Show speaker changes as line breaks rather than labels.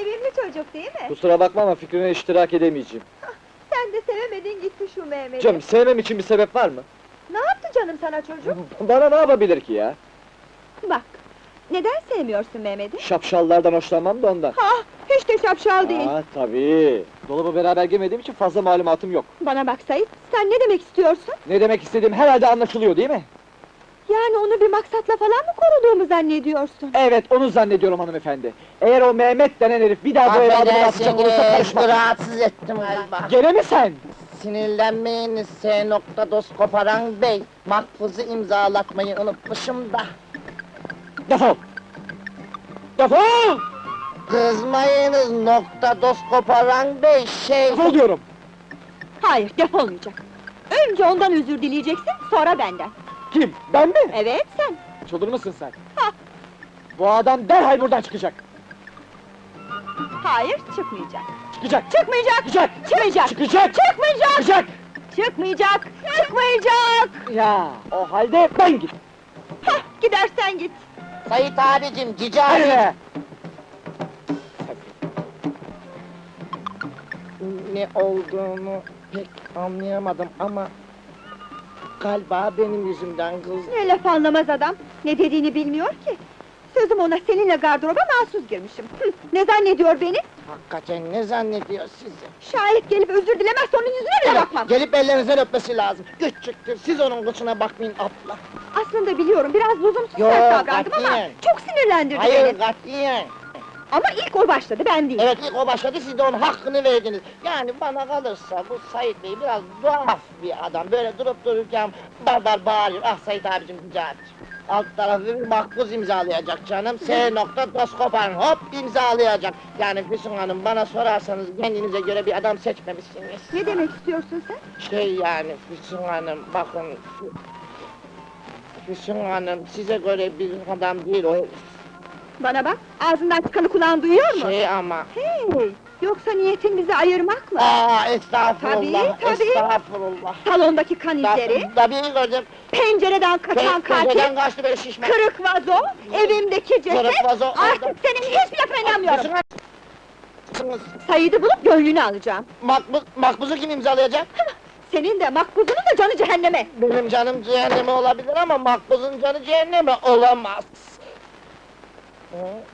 sevimli çocuk değil mi?
Kusura bakma ama fikrine iştirak edemeyeceğim.
Sen de sevemedin gitti şu Mehmet'i.
Canım, sevmem için bir sebep var mı?
Ne yaptı canım sana çocuk?
Bana ne yapabilir ki ya?
Bak, neden sevmiyorsun Mehmet'i?
Şapşallardan hoşlanmam da ondan.
Ha, hiç de şapşal değil.
Tabii. Dolaba beraber girmediğim için fazla malumatım yok.
Bana bak Sait, sen ne demek istiyorsun?
Ne demek istediğim herhalde anlaşılıyor değil mi?
Yani onu bir maksatla falan mı koruduğumu zannediyorsun?
Evet, onu zannediyorum hanımefendi. Eğer o Mehmet denen herif bir daha bu eve adımını atacak olursa
Affedersiniz,
karışma.
rahatsız ettim galiba.
Gene mi sen?
Sinirlenmeyiniz S. Dost Koparan Bey. Makbuzu imzalatmayı unutmuşum da.
Defol! Defol!
Kızmayınız Dost Koparan Bey,
Defol diyorum!
Hayır, defolmayacak. Önce ondan özür dileyeceksin, sonra benden.
Kim? Ben mi?
Evet, sen.
Çıldırmışsın sen.
Ha.
Bu adam derhal buradan çıkacak.
Hayır, çıkmayacak.
Çıkacak!
Çıkmayacak!
Çıkacak!
Çıkmayacak!
Çıkacak!
Çıkmayacak!
Çıkacak!
Çıkmayacak! Çıkmayacak!
Ya, o halde ben git!
Hah, gidersen git.
Sayit abicim, Cici
Hadi
abi.
be!
Ne olduğunu pek anlayamadım ama... Galiba benim yüzümden kız.
Ne laf anlamaz adam, ne dediğini bilmiyor ki. Sözüm ona seninle gardıroba mahsus girmişim. Ne zannediyor beni?
Hakikaten ne zannediyor sizi?
Şayet gelip özür dilemezse onun yüzüne bile bakmam.
Gelip ellerinizden öpmesi lazım. Küçüktür, siz onun kıçına bakmayın abla.
Aslında biliyorum, biraz lüzumsuz
Yo,
sert davrandım ama
katiyen.
çok sinirlendirdi
Hayır,
beni.
katiyen.
Ama ilk o başladı, ben değil.
Evet, ilk o başladı, siz de onun hakkını verdiniz. Yani bana kalırsa bu Sait Bey biraz tuhaf bir adam. Böyle durup dururken barbar bağırıyor. Ah Sait abicim, Cici abicim. Alt tarafı bir makbuz imzalayacak canım. S. Dost Koparan, hop imzalayacak. Yani Füsun Hanım, bana sorarsanız kendinize göre bir adam seçmemişsiniz.
Ne demek istiyorsun sen?
Şey yani Füsun Hanım, bakın... Füsun Hanım, size göre bir adam değil o.
Bana bak, ağzından çıkanı kulağın duyuyor mu?
Şey ama...
Hey, yoksa niyetin bizi ayırmak mı?
Estağfurullah,
Tabii.
estağfurullah.
Salondaki kan izleri,
Tabii gördüm.
pencereden kaçan
Pencereden
katil,
kaçtı böyle şişme.
kırık vazo, evimdeki ceset,
Kırık vazo,
artık
orada.
senin hiçbir lafına inanmıyorum.
Füsun Hanım,
Said'i bulup gönlünü alacağım.
makbuzu kim imzalayacak?
Senin de makbuzunun da canı cehenneme.
Benim canım cehenneme olabilir ama makbuzun canı cehenneme olamaz. Hı?